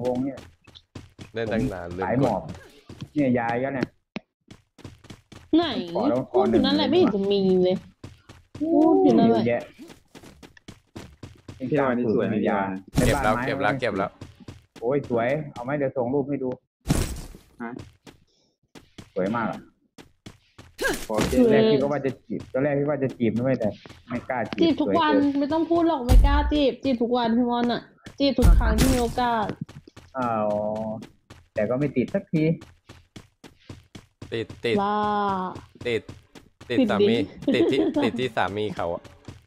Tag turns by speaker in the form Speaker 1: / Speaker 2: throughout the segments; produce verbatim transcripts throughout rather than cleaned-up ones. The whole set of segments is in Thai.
Speaker 1: วงเนี่ย
Speaker 2: เล่นตั้งนานเลย
Speaker 1: สายหมอบเนี่ยยายก็เนี่ย
Speaker 3: ไหนพูดอยู่นั่นแหละไม่เห็นจะมีเลยพูดอยู่นั่นแหละ
Speaker 1: พี่น้อยนี่สวยยา
Speaker 2: เก็บแล้วเก็บแล้วเก็บแล้ว
Speaker 1: โอ้ยสวยเอาไหมเดี๋ยวส่งรูปให้ดูฮะสวยมากตอนแรกพี่ก็ว่าจะจีบตอนแรกพี่ว่าจะจีบไม่แต่ไม่กล้าจีบ
Speaker 3: จีบทุกวันไม่ต้องพูดหรอกไม่กล้าจีบจีบทุกวันพี่มอนอ่ะจีบทุกครั้งที่มีโอกาส
Speaker 1: อ้าวแต่ก็ไม่ติดสักที
Speaker 2: ติดติดติดติดสามีติดที่ติดที่สามีเขาอะ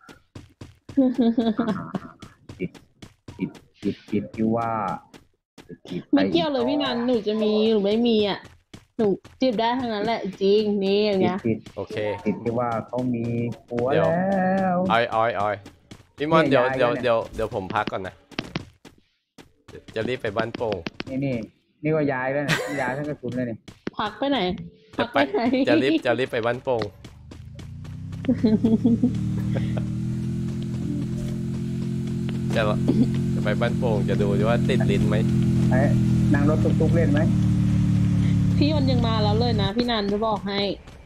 Speaker 1: ติดติดติดติดที่ว่า
Speaker 3: ไม่เกี่ยวเลยพี่นันหนูจะมีหรือไม่มีอ่ะหนูจีบได้ทั้งนั้นแหละจริงนี่อย่างเงี้ย
Speaker 2: โอเค
Speaker 1: ติดที่ว่าเขามีผัวแล้ว
Speaker 2: อ้อยอ้อยอ้อยพี่มอนเดี๋ยวเดี๋ยวเดี๋ยวเดี๋ยวผมพักก่อนนะจะรีบไปบ้านโป่ง
Speaker 1: นี่นี่นี่ก็ย้ายแล้วนะย้ายทั้งกระสุนเลยนี่
Speaker 3: พักไปไหนพักไปไหน
Speaker 2: จะรีบจะรีบไปบ้านโป่งจะจะไปบ้านโป่งจะดูว่าติดลิ้นไหม
Speaker 1: นั่งรถตุ๊กๆเล่นไหม
Speaker 3: พี่ยนยังมาแล้วเลยนะพี่นันจะบอกให้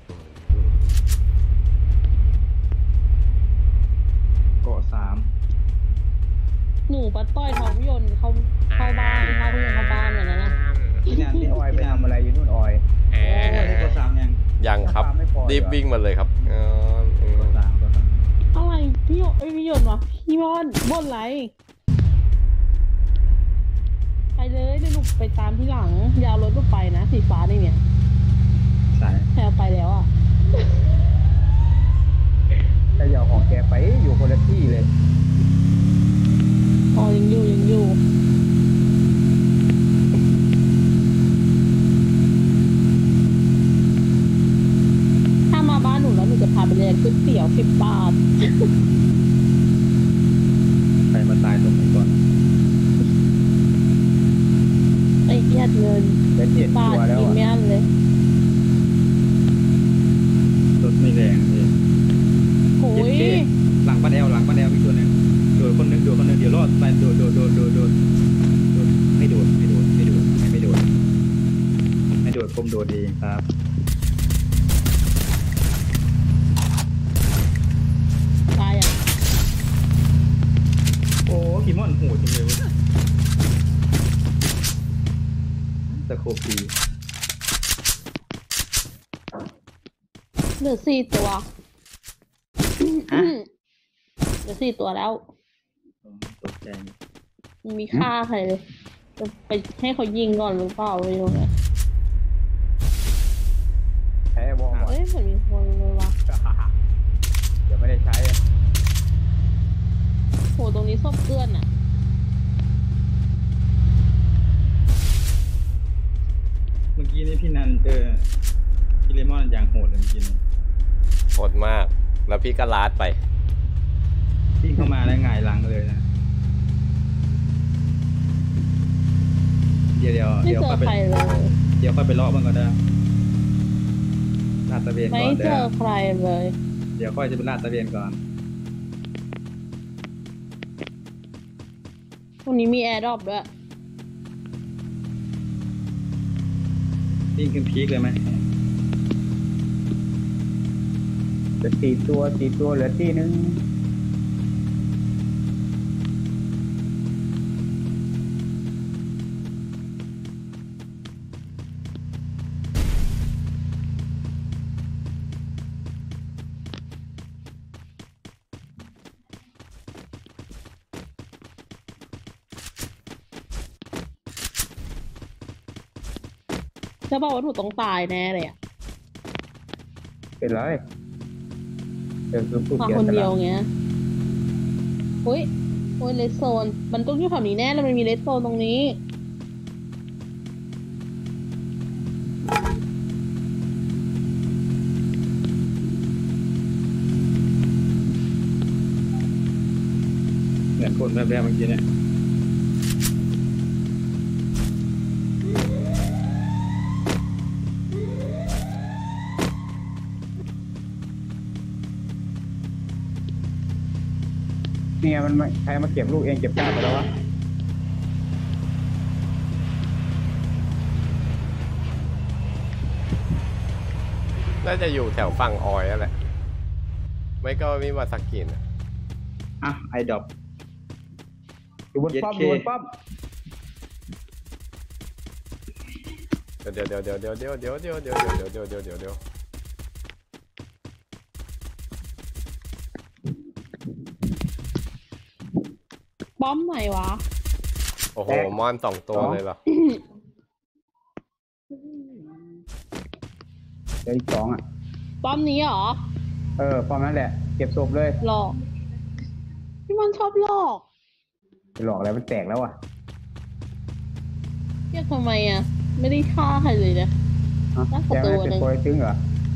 Speaker 1: เกาะสาม
Speaker 3: หนูปัดต้อยท้องพี่ยนเขาเข้าบ้านเข้าพี่ยนเข้าบ้านเหมือนนั้นนะ
Speaker 1: พี่นันพี่ออยไปทำอะไรอยู่นู่นออย
Speaker 2: เกาะสามยังยังครับรีบวิ่งมาเลยครับเกาะสาม
Speaker 3: อะไรพี่ยนไอพี่ยนวะพี่มอนบ่นไรไปเลยเดี๋ยวหนูไปตามที่หลังยาวรถก็ไปนะสีฟ้านี่เนี่ย
Speaker 1: สาย
Speaker 3: แพรไปแล้วอ่ะ
Speaker 1: แต่ยาวของแกไปอยู่คนละที่เลย
Speaker 3: อ๋อยังอยู่ยังอยู่ถ้ามาบ้านหนูแล้วหนูจะพาไปเรียนก๋วยเตี๋ยวสิบบาท
Speaker 1: ใครมาตายตรงนี้ก่อน
Speaker 3: ไอ้เหี้ยเงินสิบบาทกินไม่อั้นเลย
Speaker 1: รถไม่แรงเลย
Speaker 3: โอ้ย
Speaker 1: หลังป้าแอลหลังป้าแอลมีตัวนึงโดดคนนึงโดดคนนึงเดี๋ยวรอดไปโดดโดดโดดโดดโดดไม่โดดไม่โดดไม่โดดไม่โดดไม่โดดผมโดดเองครับ
Speaker 3: ตายอ่ะ
Speaker 1: โอ้พี่ม่อนโหดจังเลยตะโคปี
Speaker 3: เหลือสี่ตัวเหลือสี่ตัวแล้ว
Speaker 1: ตกใจ
Speaker 3: มีค่าใครเลยจะไปให้เขายิงก่อนหรือเปล่าไม่รู้นะ
Speaker 1: ใช้บอล
Speaker 3: เอ้ยเหมือนมีคนเลยวะ
Speaker 1: เดี๋ยวไม่ได้ใช้
Speaker 3: โหตรงนี้ซบเกลื่อนอ่ะ
Speaker 1: เมื่อกี้นี้พี่นันเจอพี่เลมอนอย่างโหดเลยเมื่อกี้
Speaker 2: โหดมากแล้วพี่ก็ลาดไป
Speaker 1: พี่เข้ามาแล้วหงายหลังเลยนะเดี๋ยวเดี๋ยว
Speaker 3: เดี๋ยวค่อยไป
Speaker 1: เดี๋ยวค่อยไปเลาะมันก็ได้ลาดตะเวนก่อน
Speaker 3: ไม่เจอใครเลย
Speaker 1: เดี๋ยวค่อยจะไปลาดตะเวนก่อน
Speaker 3: ตรงนี้มีแอร์ดรอปด้วย
Speaker 1: วิ่งขึ้นพีคเลยไหมเหลือสี่ตัวสี่ตัวเหลือที่นึง
Speaker 3: จะบอกว่าหนูต้องตายแน่เลยอ่ะ
Speaker 1: เป็นไรเดี๋ยวคือผู้
Speaker 3: มา
Speaker 1: เสีย
Speaker 3: คน
Speaker 1: ส
Speaker 3: เดีย
Speaker 1: ละ
Speaker 3: วเงี้ยโอ้ยโอ้ยเลสโซนมันต้องอยู่แถวนี้แน่แล้วมันมีเลสโซนตรงนี้
Speaker 1: เหมือนคนแบบแบบเมื่อกี้เนี่ยเนี่ยมันใครมาเก็บลูกเองเก็บได้ไปแล้ววะ
Speaker 2: น่าจะอยู่แถวฝั่งออยนั่นแหละไม่ก็มิวาซากินะ
Speaker 4: อ่ะไอดอป
Speaker 1: อยู่บนป้อม
Speaker 4: เย็
Speaker 1: อ
Speaker 4: ดเค
Speaker 1: ยู่บนป้อม
Speaker 2: เดี๋ยวเดี๋ยวเดี๋ยวเดี๋ยวเดี๋ยวเดี๋ยวเดี๋ยวเดี๋ยวเดี๋ยวเดี๋ยวเดี๋ยวเดี๋ยวเดี๋ยว
Speaker 3: ป้อมไหนวะ
Speaker 2: โอ้โหมอนสองตัวเลยเหรอ
Speaker 1: เดี๋ยวอีกสองอ่ะ
Speaker 3: ป้อมนี้เหรอ
Speaker 1: เออป้อมนั่นแหละ เก็บศพเลย
Speaker 3: หลอกพี่มันชอบหลอก
Speaker 1: ไปหลอกอะไรมันแตกแล้วอ่ะ
Speaker 3: เรียกทำไมอ่ะ ไม่ได้ฆ่าใครเลยนะ
Speaker 1: ฮะ
Speaker 3: น่า
Speaker 1: แก
Speaker 3: กลัว
Speaker 1: ไม่ได้
Speaker 3: ตัวหนึ่
Speaker 1: เป็น
Speaker 3: ง
Speaker 1: โปรยตึงเหรอ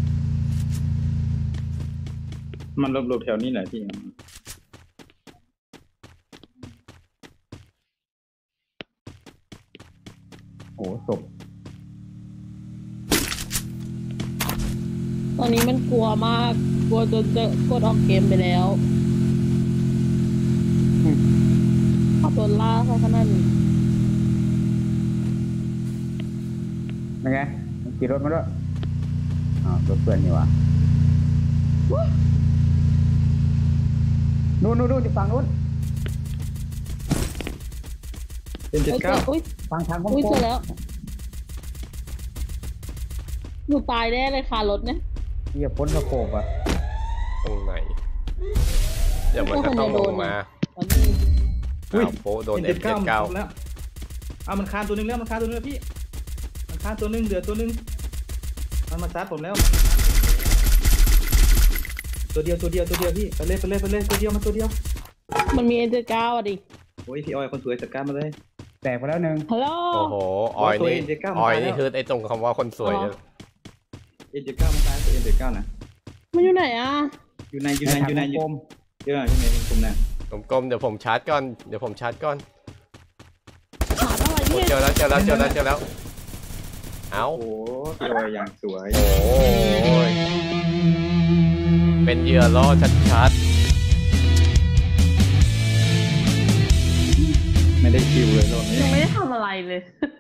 Speaker 4: มันหลบๆแถวนี้แหละพี่
Speaker 1: โอ้โหศพ
Speaker 3: ตอนนี้มันกลัวมาก กลัวจนจะกดออกเกมไปแล้วขับโดนล่าซะขนาดนี้
Speaker 1: เป็นไงมันขี่รถมาด้วยอ้าวรถเพื่อนนี่หวะนู่นนู่นนู่นฝั่งนู้น
Speaker 4: เป็นเจ็ด
Speaker 3: เอ้ย
Speaker 4: เก้า
Speaker 3: อุ้ย
Speaker 1: ฝั่งทางโค้
Speaker 3: อุ้ยเจ
Speaker 1: ง
Speaker 3: อแล้วหนูตายแน่เลยค่ะรถเนี่ย
Speaker 1: ๆเหยียบพ้นสะโขบอ่ะ
Speaker 2: ตรงไหนเดี๋ยวมันก็ต้องลงมา
Speaker 3: ตอนนี้
Speaker 4: อุ้ย
Speaker 2: อ้าวโปโดน
Speaker 4: เป็น
Speaker 2: เอ็
Speaker 4: เจ็
Speaker 2: ม
Speaker 4: ด
Speaker 2: เจ็
Speaker 4: เก้า
Speaker 2: ดเก้า
Speaker 4: แล้วเอามันคานตัวหนึงแล้วมันคานตัวหนึงแล้วพี่มันคานตัวหนึงเดือดตัวหนึงมันมาซัดผมแล้วตัวเดียวตัวเดียวตัวเดียวพี่ไปเลยไปเลยไปเลยตัวเดียวมาตัวเดียว
Speaker 3: มันมีเอ็นเจเก้าอ่ะดิ
Speaker 4: โอ้ยพี่ออยคนสวยจัดการมาเลย
Speaker 1: แตกไปแล้วหนึ่ง
Speaker 3: ฮัลโหล
Speaker 2: โอ้โหออยนี่
Speaker 4: ตัวเอ็มเจ็ดเก้า
Speaker 2: ออย
Speaker 4: มาแล้ว
Speaker 2: นี่คือไอ้ตรงคำว่าคนสวยเนี่ย
Speaker 4: เอ็นเจ็ดเก้ามันตายตัวเอ็นเจ็ดเก้านะ
Speaker 3: มันอยู่ไหนอ่ะ
Speaker 4: อยู่ในอยู่ในอยู่ในอยู่
Speaker 1: กลม
Speaker 4: เยอะอยู่ในกลุ่มน่ะ
Speaker 2: กลมๆเดี๋ยวผมชาร์จก่อนเดี๋ยวผมชาร์จก่อน
Speaker 3: หาอะไร
Speaker 2: โอ้
Speaker 3: เนี่ย
Speaker 2: เจอแล้วเจอแล้วเจอแล้วเจอแล้วเอา
Speaker 4: โอ้โหพี่ออยอย่างสวย
Speaker 2: โอ้ยเป็นเหยื่อล่อชัด
Speaker 4: ไม่ได้คิวเลยรอบนี้
Speaker 3: ยังไม่ได้ทำอะไรเลย